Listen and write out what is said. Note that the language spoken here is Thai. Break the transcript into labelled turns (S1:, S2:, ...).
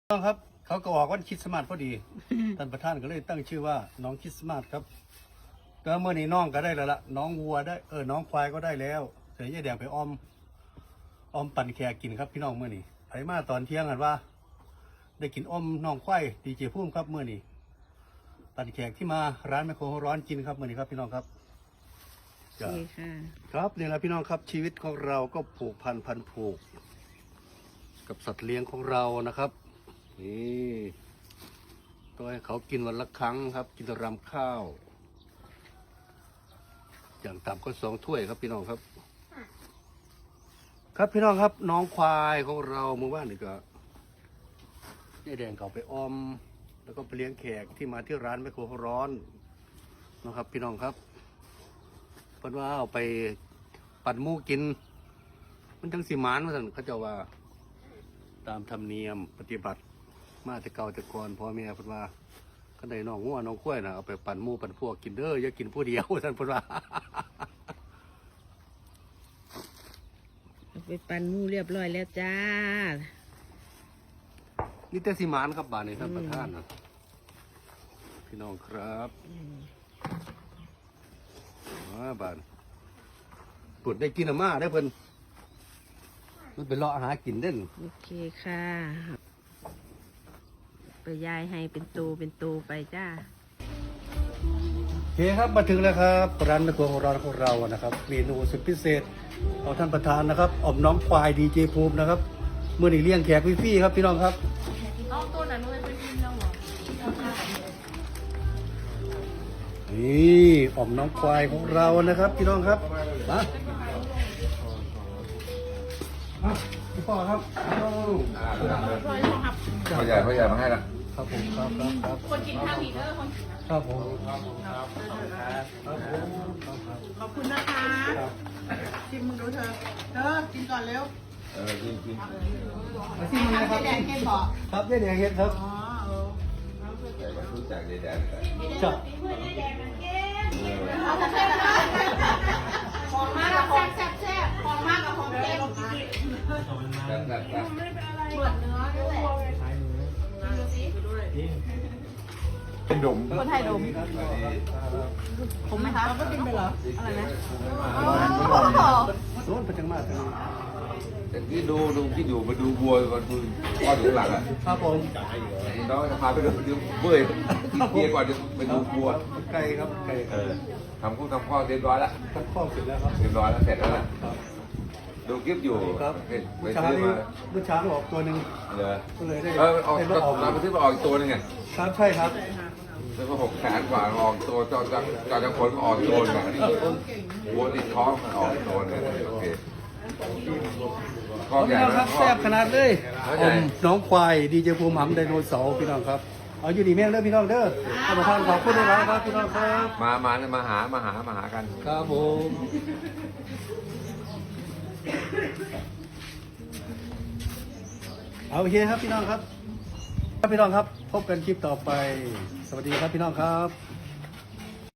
S1: ต้องครับเขาก็ออกวันคริสต์มาสพอดี ท่านประธานก็เลยตั้งชื่อว่าน้องคริสต์มาสครับแล้วเมื่อนี้น้องก็ได้แล้วล่ะน้องวัวได้น้องควายก็ได้แล้วเสียยายแดงไปอ้อมปั่นแขกกินครับพี่น้องเมื่อนี้ไผมาตอนเที่ยงกันว่า ได้กินอ้อมน้องควายดีเจพุ่มครับเมื่อนี้ปั่นแขกที่มาร้านแมคโครร้อนกินครับเมื่อนี้ครับพี่น้องครับครับนี่แหละพี่น้องครับชีวิตของเราก็ผูกพันผูกกับสัตว์เลี้ยงของเรานะครับนี่ต้องให้เขากินวันละครั้งครับ กินรำข้าวอย่างต่ำก็2 ถ้วยครับพี่น้องครับครับพี่น้องครับน้องควายของเราเมื่อวานนี่ก็ยายแดงเขาไปอ้อมแล้วก็ไปเลี้ยงแขกที่มาที่ร้านแมคโครร้อนนะครับพี่น้องครับเพราะว่าเอาไปปั่นหมูกินมันจังสีหมานว่าสั่นเขาจะว่าตามธรรมเนียมปฏิบัติมาแต่เก่าแต่ก่อนพ่อแม่พูดว่าก็ได้น้องงัวน้องข้วยนะเอาไปปั่นหมูปั่นพวกกินเด้ออย่ากินผู้เดียวท่านพูดว่า
S2: ไปปั่นหมูเรียบร้อยแล้วจ้า
S1: นี่แต่สิมานครับบ้านนี้ท่านประธานนะพี่น้องครับบ้านปวดได้กินอาม่าได้เพิ่นมันไปเลาะหากินเด่น
S2: โอเคค่ะไปยายให้เป็นตูไปจ้า
S1: โอเคครับมาถึงแล้วครับร้านแมคโครร้อนของเรานะครับเมนูสุดพิเศษเอาท่านประธานนะครับอมน้องควายดีเจภูมินะครับเมื่อนี้เลี้ยงแขกฟรีๆครับพี่น้องครับ
S3: เอาตัวไหนมันเป็นกินแล้วเหรอ
S1: นี่อมน้องควายของเรานะครับพี่น้องครับมาพี่พ่อครับ
S4: พ่อใหญ่มาให้ละ
S1: ครับผมครับ
S3: คนกินข้าวอีกคน
S1: ครับผม
S3: ขอบคุณนะคะชิมมึงดูเธอกินก่อนเร็ว
S4: กิน
S1: ที่มันนะครับ
S3: แดงเค็มบอก
S1: ครับได้แดงเฮ็ดครับ
S4: แต่ก็รู้จักแดง
S1: จับ
S3: ของมากกับของแซ่บของมากกับของเค็มเปิดเนื้อด้วย
S4: เป็นดม
S3: คนไทยดมผมไหมคะก็กินไปเหรออะไรนะ
S1: โดนประจังมากเลย
S4: แต่ที่ดูที่อยู่มาดูบัวก่อนดูพ่อถึงหลังอ่ะ
S1: ครับผม
S4: น้องจะพาไปดูเบื่อกินเบียร์ก่อนจะไปดูบัว
S1: ไก่ครับไก่
S4: ทำข้าวเรียบร้อยแล้ว
S1: ทำข้าวเสร็จแล้วครับ
S4: เรียบร้อยแล้วเสร็จแล้วล่ะดูคลิปอยู่
S1: ครับเมื่อเช้าออกตัวหนึ่งก็เลยได้
S4: ออกมาที่มาออกตัวนึงไง
S1: ครับใช่ครับ
S4: แล้วก็600,000 กว่าออกตัวจอจากคนก็ออกตัวนึงวัวติดท้องมันออกตัวนึงโอเค
S1: พี่น้องครับแซ่บขนาดเลยน้องควายดีเจภูมิหำไดโนเสาร์พี่น้องครับเอาอยู่ดีแม่เด้อพี่น้องเด้อท่านประธานขอบคุณด้วยครับพี่น้องครับ
S4: มาหากัน
S1: ครับผมเอาโอเคครับพี่น้องครับพี่น้องครับพบกันคลิปต่อไปสวัสดีครับพี่น้องครับ